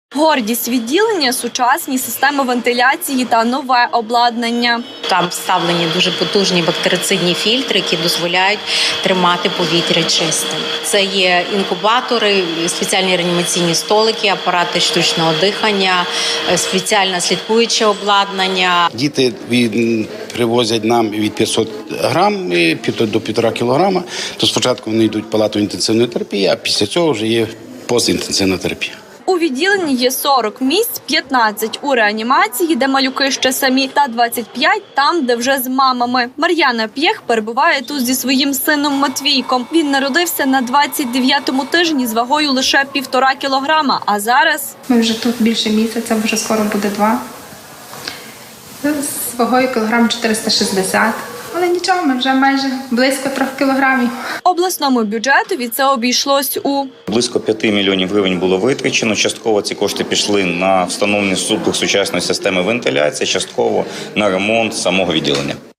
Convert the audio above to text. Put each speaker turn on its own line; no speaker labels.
Гордість відділення – сучасні системи вентиляції та нове обладнання.
Там вставлені дуже потужні бактерицидні фільтри, які дозволяють тримати повітря чистим. Це є інкубатори, спеціальні реанімаційні столики, апарати штучного дихання, спеціальне слідкуюче обладнання.
Діти привозять нам від 500 грам до 1,5 кілограма. То спочатку вони йдуть в палату інтенсивної терапії, а після цього вже є постінтенсивна терапія.
У відділенні є 40 місць, 15 у реанімації, де малюки ще самі, та 25 там, де вже з мамами. Мар'яна П'єх перебуває тут зі своїм сином Матвійком. Він народився на 29-му тижні з вагою лише 1,5 кілограма, а зараз...
Ми вже тут більше місяця, вже скоро буде 2. З вагою кілограм 460. Але нічого, ми вже майже близько 3 кілограмів.
Обласному бюджетові це обійшлось у...
Близько 5 мільйонів гривень було витрачено. Частково ці кошти пішли на встановлення супер сучасної системи вентиляції, частково на ремонт самого відділення.